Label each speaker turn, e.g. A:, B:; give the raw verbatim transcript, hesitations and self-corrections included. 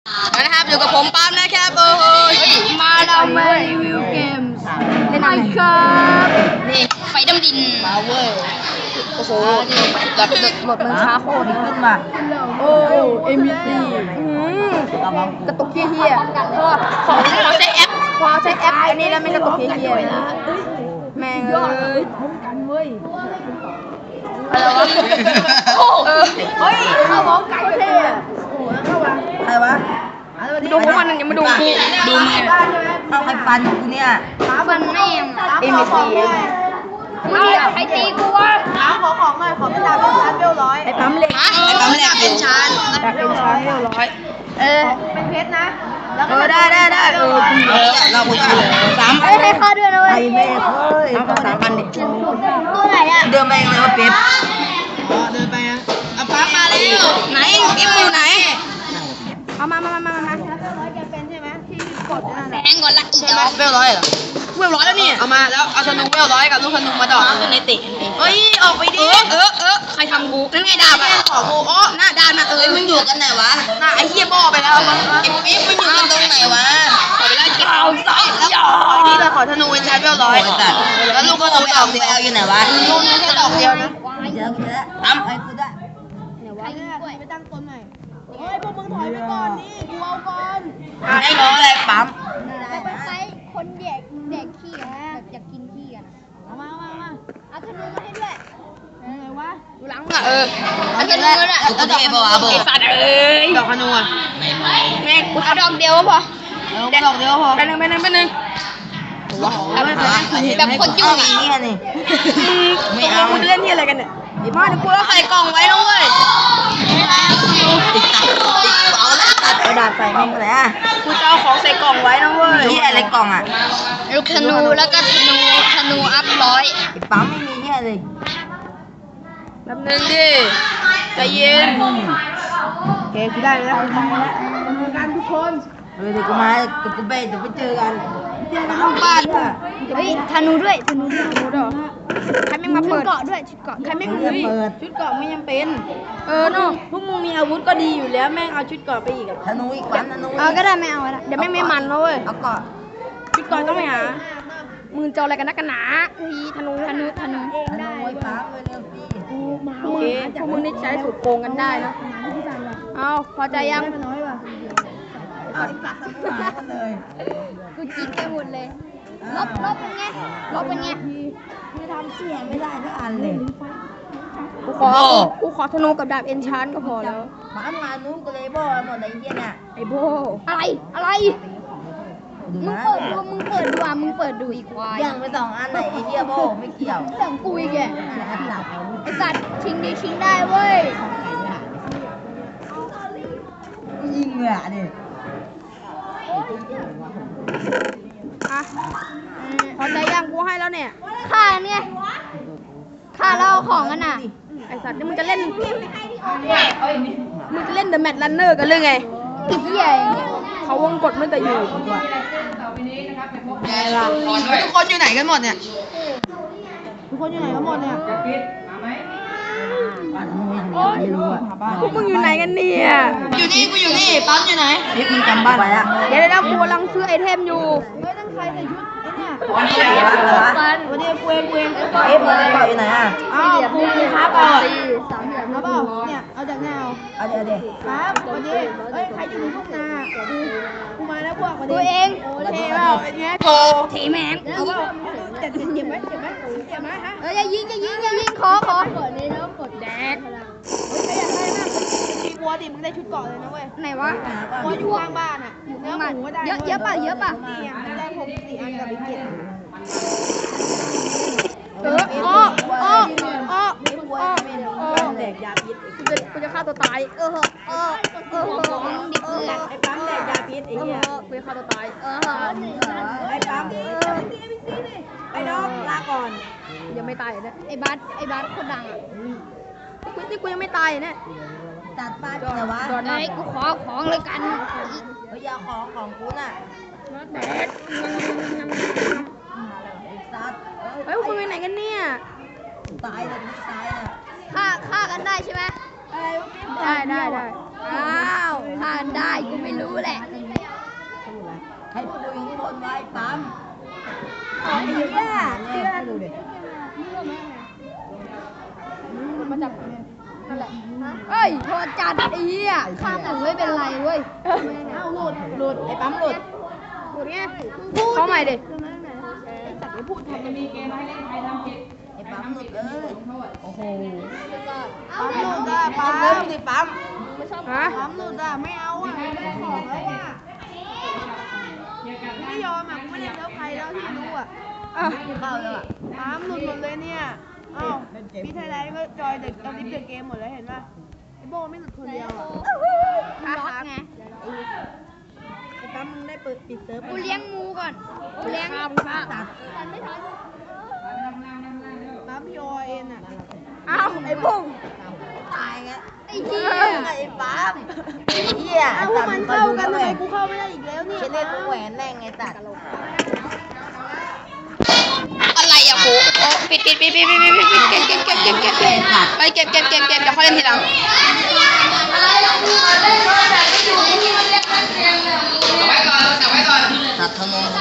A: นะครับอยู่กับผมปั๊มนะครับโอ้โหมาเรามารีวิวเกมเล่นอะไรครับนี่ไฟดำดินมาเวอร์โอ้โหแบบหมดมันช้าโคตรขึ้นมาโอ้เอ็มบีซีกระตุกเฮียๆก็ของเราใช้แอปพอใช้แอปอันนี้แล้วไม่กระตุกเฮียๆแม่งเลยอะไรวะเฮ้ยข้าวหมกไก่เท่ใครวะดูพวกมันยังไม่ดูกูดูมึงเอาใครฟันกูเนี่ยฟันแม่งเอ็มซีมึงใครตีกูวะขอของหน่อยขอเป็นดาวเป็นชั้นเวลร้อยไอ้ปั๊มเหล็กไอ้ปั๊มเหล็กเป็นชั้นเป็นชั้นเวลร้อยเออเป็นเพชรนะเออได้ได้ได้เออเราคุยกันสามให้ให้ค่าด้วยนะเว้ยไอ้แม่เฮ้ยเอาสามพันดิตัวไหนอะเดินไปยังไงวะเป๊ปเดินไปอ่ะเอาปั๊มมาเลยไหนเอ็มอยู่ไหนเอามามามามามาร้อยแกเป็นใช่ไหมที่กดแพงกว่าละอีกเหรอเวลร้อยเหรอเวลร้อยแล้วนี่เอามาแล้วเอาธนูเวลร้อยกับลูกธนูมาดอกขึ้นในติเฮ้ยออกไปดิเออเออใครทำกูนั่นไงดาบอ่ะขอกูอ๋อหน้าดาบนะเอ้ยมึงอยู่กันไหนวะหน้าไอ้เหี้ยบ่อไปแล้วมึงไอ้ปิ๊บมึงอยู่กันตรงไหนวะขอไปไล่เก็บเอาใส่แล้วขอนี่เลยขอธนูเป็นชาร์จเวลร้อยแล้วลูกธนูดอกเดียวอยู่ไหนวะลูกแค่ดอกเดียวนะเดี๋ยวกูจะทำไอ้กูได้เดี๋ยววะไปตั้งต้นหน่อยเฮ้ยพวกมึงถอยไปก่อนนี่กูเอาก่อนไอ้น้องอะไรปั๊ม
B: ไปไปคนแดกแดกขี้อะแบบอยากกินขี้กันเอามาเอามาเอาธนูมาให้ด้วยเออวะดูหลังมึงอ่ะเออเอาธนูด้วย
A: กูจะเก็บเอาเบอร์ไอ้สัตว์เอ้ยดอกธนูอ่ะแม่กูเอาดอกเดียวพอเออดอกเดียวพอไปหนึ่งไปหนึ่งไปหนึ่งแบบคนยุ่งอ่ะนี่นี่ไม่เอาคุณเล่นที่อะไรกันเนี่ยไอ้พ่อเดี๋ยวกูเอาใส่กล่องไว้นะเว้ยติดตัดติดเอาแล้วตัดกระดาษใส่แม่งเลยอ่ะกูจะเอาของใส่กล่องไว้นะเว้ยที่อะไรกล่องอ่ะลูกธนูแล้วก็ธนูธนูอัพร้อยไอ้ปั๊มไม่มีเนี่ยเลยแป๊บนึงดิใจเย็นโอเคกูได้แล้วกูได้แล้วเจอกันทุกคนเฮ้ยเดี๋ยวกูมาเดี๋ยวกูไปเดี๋ยวไปเจอกันเจอกันห้องบ้านอ่ะ
B: เฮ้ยธนูด้วยธนูด้วยธนูด้วย
A: ใครไม่มาเปิด
B: เกาะด้วยชุดเกาะ
A: ใครไม่มาเปิดชุดเกาะไม่ยังเป็นเออเนาะพวกมึงมีอาวุธก็ดีอยู่แล้วแม่งเอาชุดเกาะไปอีกธนูอีกวันธนู
B: เอาก็ได้ไม่เอาละ
A: เดี๋ยวแม่งไม่มันนะเว้ยเอาเกาะชุดเกาะต้องไปหามึงจะอะไรกันนักกันหนาเฮ้ยธนูธนูธนู
B: เองได้
A: ปั๊มเลยเร็วสิโอเคพวกมึงนี่ใช้สูตรโกงกันได้นะเอาพอใจยัง
B: เอาอีกสักกันเลยกูจิกไปหมดเลยลบลบเป็นไงลบเป็นไง
A: ไม่ทำเสียไม่ได้ก็อันเลย
B: กูขอกูขอธนูกับดาบเอนชานก็พอแล้ว
A: มาทำงานนู้นกูเลยโบหมดไอ้เหี้ยเนี่ย
B: ไอ้โบอะไรอะไรมึงเปิดดูมึงเปิดดูอ่ะมึงเปิดดูอีกควาย
A: ยังไปสองอันไหนไอ้เหี้ยโบไม่เกี่ยว
B: เรื่องกูอีกแกไอ้สัตว์ชิงดีชิงได้เว้ย
A: ยิงเลยอ่ะดิ
B: อ่ะ
A: พอใจยังกูให้แล้วเนี่ย
B: ค่าเนี่ยค่าเล่าของกันน่ะ
A: ไอสัตว์นี่มึงจะเล่นมึงจะเล่นเดอะแมทรันเนอร์กันหรือไง
B: ติดใหญ่
A: เขาวงกดไม่แต่อยู่ทุกคนอยู่ไหนกันหมดเนี่ยทุกคนอยู่ไหนกันหมดเนี่ยพวกมึงอยู่ไหนกันเนี่ยอยู่นี่กูอยู่นี่ปั๊มอยู่ไหนนี่มึงจำบ้านไว้อะเดี๋ยวนะกูกำลังซื้อไอเทมอยู่ไม่ต้องใครใส่ชุดไอ้เนี่ยวันนี้กูเองกูเองเอ๊ะมึงเกาะอยู่ไหนอ่ะอ้าวกูกูครับเปล่าสามเหลี่ยมครับเปล่าเนี่ยเอาจากแนวเอาเดี๋ยวเดี๋ยวครับวันนี้เฮ้ยใครจะอยู่ทุ่งนากูกูมาแล้วพวกวันนี้
B: กูเอง
A: โอเคเปล่าไอ้เงี้ยโถ
B: ถีแมง
A: เอาเปล่าเจ็บเจ็บไหมเจ็บไหมเจ็บไหมฮะ
B: เอออย่ายิงอย่ายิงอย่ายิงขอขอกดเลยแล้วกดแดก
A: เฮ้ยใครอยากได้นะมีวัวดิมึงได้ชุดเกาะเลยนะเว้ย
B: ไหนวะ
A: วัวอยู่ข้างบ้านอ่ะอยู่เนื้อหมูก็ได้
B: เยอะเยอะป่ะเยอะป่ะ
A: ได้ผมสี่อันกับอีกเจ็ด
B: เอออ้ออ้ออ้ออ้อ
A: แดกยาพิษ
B: กูจะกูจะฆ่าตัวตายเออเออเออดิเพื่อน
A: ไอ้ปั๊มแดกยาพิษไอ้เหี้ย
B: กูจะฆ่าตัวตายเออ
A: ไอ้ปั๊มไอ้น้องลาก่อน
B: ยังไม่ตายเนี่ยไอ้บัสไอ้บัสคนดังอ่ะกูนี่กูยังไม่ตายเนี่ย
A: ตัดบ้านแต่ว่า
B: ไอ้กูขอของเลยกัน
A: เฮ้ยยาของของกูน่ะ
B: แดก
A: เฮ้ยมึงไปไหนกันเนี่ยตายเลยตายอ่ะ
B: ฆ่าฆ่ากันได้ใช่ไหม
A: อะไร
B: ได้ได้ได้อ้าวผ่านได้กูไม่รู้แหละ
A: ให้คุยข้างบนไว้ปั๊ม
B: ไอ้เหี้ยเชื่อ
A: ดูดิ
B: มาจับนั่นแหละเอ้ยโทษจัดไอ้เหี้ยข้ามถึงไม่เป็นไรเว้ยเอ้าหลุด
A: หลุดไอ้ปั๊มหลุด
B: หลุดไงเข้าใหม่ดิ
A: ไอ้ปั๊มหลุดเลยโอ้โห
B: ปั๊มหลุด
A: ปั๊
B: อ่ะ
A: มเริ่มดิปั๊ม
B: ฮะ
C: ปั๊มหลุดอ่ะไม่เอาอ่ะไม่ได้ของแล้วอ่ะไม่ยอมอ่ะกูไม่เล่นแล้วใครแล้วที่รู้อ่ะ
B: อ่ะ
A: เข้าแล้วอ่ะ
C: ปั๊มหลุดหมดเลยเนี่ยอ้าวพี่ไทยแลนด์ก็จอยเด็กเอาลิฟต์เด็กเกมหมดเลยเห็นป่ะไอ้โบไม่หลุดคนเดียวอ่ะ
B: ล็อกไง
C: ไอ้ปั๊มมึงได้เปิดปิดเซิร์ฟ
B: กูเลี้ยงงูก่อนกูเลี้ยง
A: ตัด
B: ทันไม่ทัน
C: ปั๊มพี่โอเอ็นอ่ะ
B: อ้าวไอ้บุ้ง
A: ตายไง
B: ไอ้เหี้ย
A: ไอ้ปั๊มไอ้เหี้ย
C: อ้าวพวกมันเข้ากันทำไมกูเข้าไม่ได้อีกแล้วเนี่ย
A: เชนเล่นกูแหวนแน่งไงตัด
D: อะไรอ่ะโหโอ้ปิดปิดปิดปิดปิดปิดปิดเก็บเก็บเก็บเก็บเก็บเก็บไปเก็บเก็บเก็บเก็บเดี๋ยวเขาเล่นทีหลัง
A: ตัดทะนง